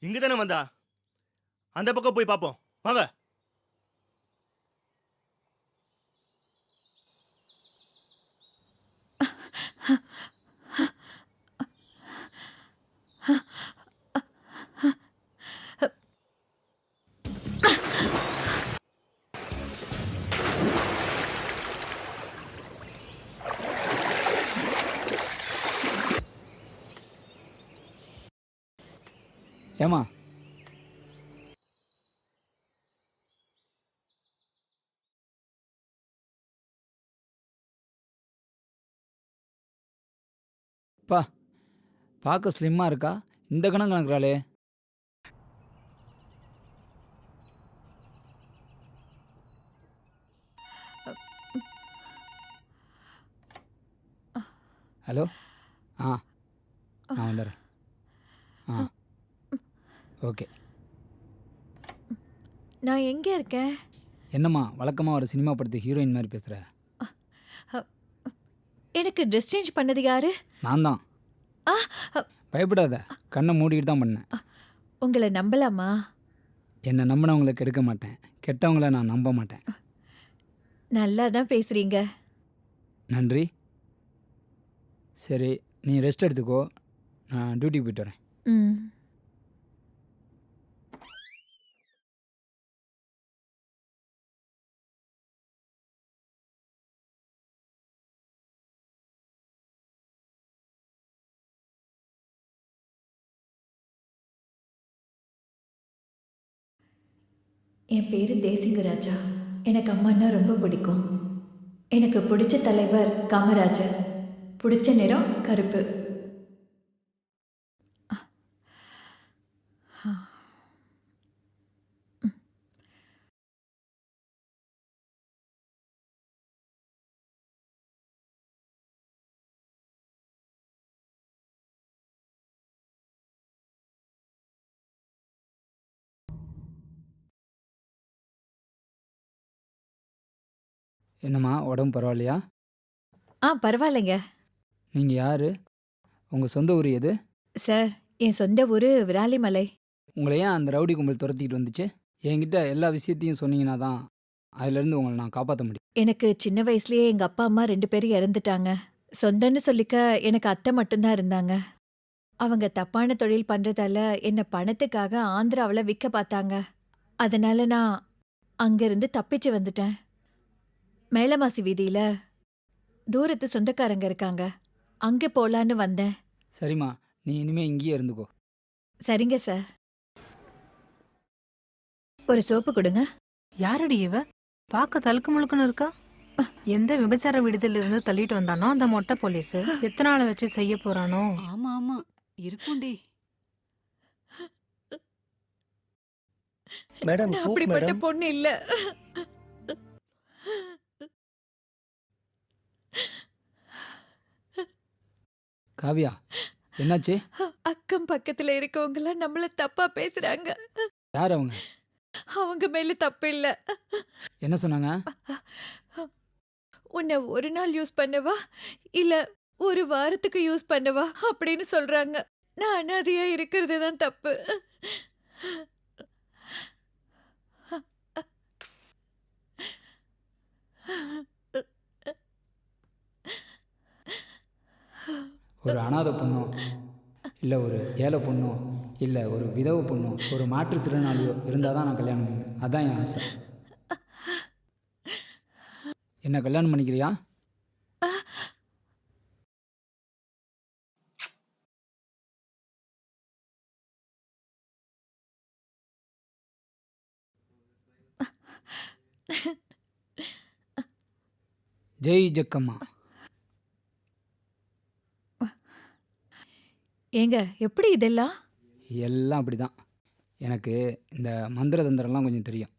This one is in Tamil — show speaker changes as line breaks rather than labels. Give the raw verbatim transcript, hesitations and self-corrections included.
இங்க தானே வந்தா? அந்த பக்கம் போய் பார்ப்போம் வாங்க.
ஏமா பா பார்க்க ஸ்லிம்மாக இருக்கா, இந்த கணம் கணக்குறாளே. ஹலோ, ஆ நான் வந்துடுறேன். ஆ ஓகே.
நான் எங்கே இருக்கேன்?
என்னம்மா வழக்கமாக ஒரு சினிமா படத்து ஹீரோயின் மாதிரி பேசுகிற?
எனக்கு ட்ரெஸ் சேஞ்ச் பண்ணது யாரு?
நான் தான். பயப்படாத, கண்ணை மூடிக்கிட்டு தான் பண்ணேன்.
உங்களை நம்பலாமா?
என்னை நம்பினவங்களை கெடுக்க மாட்டேன், கெட்டவங்கள நான் நம்ப மாட்டேன்.
நல்லா தான் பேசுறீங்க.
நன்றி. சரி, நீ ரெஸ்ட் எடுத்துக்கோ, நான் டியூட்டிக்கு போயிட்டு வரேன்.
ம். என் பேர் தேசிங்கராஜா. எனக்கு அம்மான்னா ரொம்ப பிடிக்கும். எனக்கு பிடிச்ச தலைவர் காமராஜர். பிடிச்ச நிறம் கருப்பு.
என்னம்மா உடம்பு பரவாயில்லையா?
ஆ பரவாயில்லைங்க
நீங்கள் யார்? உங்கள் சொந்த ஊர் எது?
சார். என் சொந்த ஊர் விராலிமலை.
உங்களை ஏன் அந்த ரவுடி கும்பல் துரத்திக்கிட்டு வந்துச்சு? என்கிட்ட எல்லா விஷயத்தையும் சொன்னீங்கன்னா தான் அதுலேருந்து உங்களை நான் காப்பாற்ற முடியும்.
எனக்கு சின்ன வயசுலயே எங்க அப்பா அம்மா ரெண்டு பேரும் இறந்துட்டாங்க. சொந்தன்னு சொல்லிக்க எனக்கு அத்தை மட்டும்தான் இருந்தாங்க. அவங்க தப்பான தொழில் பண்றதால என்ன பணத்துக்காக ஆந்திராவில் விற்க பார்த்தாங்க. அதனால நான் அங்கிருந்து தப்பிச்சு வந்துட்டேன். மேலமாசி வீதியில தூரத்து சொந்தக்காரங்க இருக்காங்க, அங்கே போலான்னு வந்தேன்.
சரிம்மா, நீ இனிமே இங்கேயே இருந்துக்கோ.
சரிங்க சார். ஒரு சோப்பு கொடுங்க.
யாரடி இவ? பார்க்க தழுக்கு முழுக்குன்னு இருக்கா. எந்த விபச்சார விடுதல இருந்து தள்ளிட்டு வந்தானோ அந்த மொட்டை போலீஸ் எத்தனை நாளை வச்சு செய்ய போறானோ?
ஆமா ஆமா இருக்கும்டி.
மேடம்
நான்
கூப்
அப்படிப்பட்ட
மேடம்.
பொண்ணு இல்ல.
காவியா, என்னாச்சு?
அக்கம் பக்கத்துல இருக்கவங்க நம்மள தப்பா பேசுறாங்க.
யார் அவங்க?
அவங்க மேல தப்பு இல்ல.
என்ன சொன்னாங்க?
உன்னை ஒரு நாள் யூஸ் பண்ணவா இல்ல ஒரு வாரத்துக்கு யூஸ் பண்ணவா அப்படின்னு சொல்றாங்க. நான் அனாதையா இருக்கிறது தான் தப்பு.
ஒரு அனாதை பொண்ணோ, இல்லை ஒரு ஏழை பொண்ணோ, இல்லை ஒரு விதவை பொண்ணோ, ஒரு மாற்றுத்திறனாளியோ இருந்தால் தான் நான் கல்யாணம் பண்ணுவேன். அதான் என் ஆசை. என்ன கல்யாணம் பண்ணிக்கிறியா? ஜெய் ஜக்கம்மா.
ஏங்க எப்படி இதெல்லாம்?
எல்லாம் அப்படி தான். எனக்கு இந்த மந்திர தந்திரம்லாம் கொஞ்சம் தெரியும்.